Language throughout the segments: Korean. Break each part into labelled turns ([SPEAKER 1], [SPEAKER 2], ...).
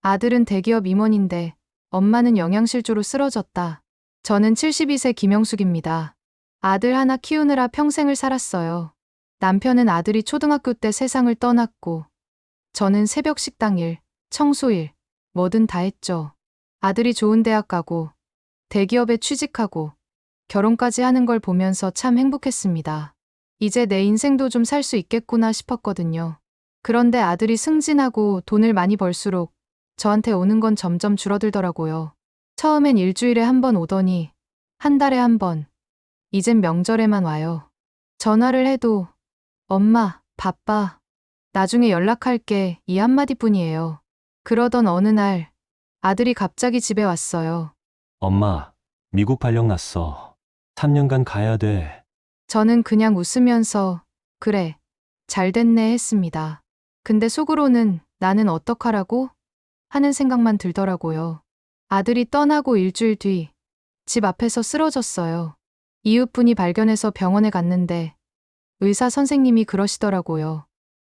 [SPEAKER 1] 아들은 대기업 임원인데 엄마는 영양실조로 쓰러졌다. 저는 72세 김영숙입니다. 아들 하나 키우느라 평생을 살았어요. 남편은 아들이 초등학교 때 세상을 떠났고 저는 새벽 식당 일, 청소 일, 뭐든 다 했죠. 아들이 좋은 대학 가고 대기업에 취직하고 결혼까지 하는 걸 보면서 참 행복했습니다. 이제 내 인생도 좀 살 수 있겠구나 싶었거든요. 그런데 아들이 승진하고 돈을 많이 벌수록 저한테 오는 건 점점 줄어들더라고요. 처음엔 일주일에 한 번 오더니 한 달에 한 번, 이젠 명절에만 와요. 전화를 해도 엄마, 바빠. 나중에 연락할게 이 한마디뿐이에요. 그러던 어느 날 아들이 갑자기 집에 왔어요.
[SPEAKER 2] 엄마, 미국 발령 났어. 3년간 가야 돼.
[SPEAKER 1] 저는 그냥 웃으면서 그래, 잘 됐네 했습니다. 근데 속으로는 나는 어떡하라고? 하는 생각만 들더라고요. 아들이 떠나고 일주일 뒤 집 앞에서 쓰러졌어요. 이웃분이 발견해서 병원에 갔는데 의사 선생님이 그러시더라고요.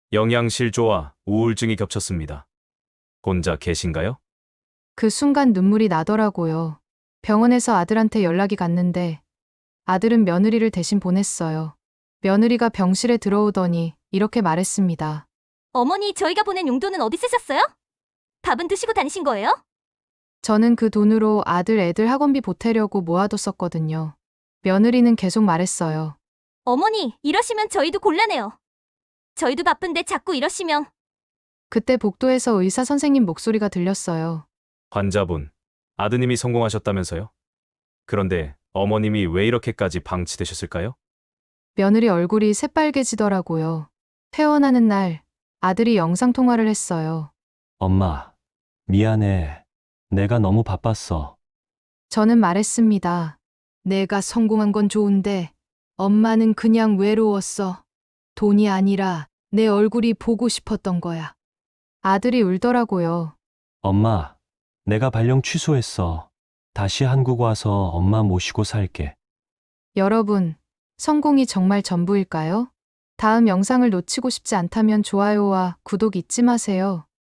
[SPEAKER 3] 영양실조와 우울증이 겹쳤습니다. 혼자 계신가요?
[SPEAKER 1] 그 순간 눈물이 나더라고요. 병원에서 아들한테 연락이 갔는데 아들은 며느리를 대신 보냈어요. 며느리가 병실에 들어오더니 이렇게 말했습니다.
[SPEAKER 4] 어머니, 저희가 보낸 용돈은 어디 쓰셨어요? 밥은 드시고 다니신 거예요?
[SPEAKER 1] 저는 그 돈으로 아들 애들 학원비 보태려고 모아뒀었거든요. 며느리는 계속 말했어요.
[SPEAKER 4] 어머니, 이러시면 저희도 곤란해요. 저희도 바쁜데 자꾸 이러시면.
[SPEAKER 1] 그때 복도에서 의사 선생님 목소리가 들렸어요.
[SPEAKER 3] 환자분, 아드님이 성공하셨다면서요? 그런데 어머님이 왜 이렇게까지 방치되셨을까요?
[SPEAKER 1] 며느리 얼굴이 새빨개지더라고요. 퇴원하는 날 아들이 영상통화를 했어요.
[SPEAKER 2] 엄마, 미안해. 내가 너무 바빴어.
[SPEAKER 1] 저는 말했습니다. 내가 성공한 건 좋은데 엄마는 그냥 외로웠어. 돈이 아니라 내 얼굴이 보고 싶었던 거야. 아들이 울더라고요.
[SPEAKER 2] 엄마, 내가 발령 취소했어. 다시 한국 와서 엄마 모시고 살게.
[SPEAKER 1] 여러분, 성공이 정말 전부일까요? 다음 영상을 놓치고 싶지 않다면 좋아요와 구독 잊지 마세요.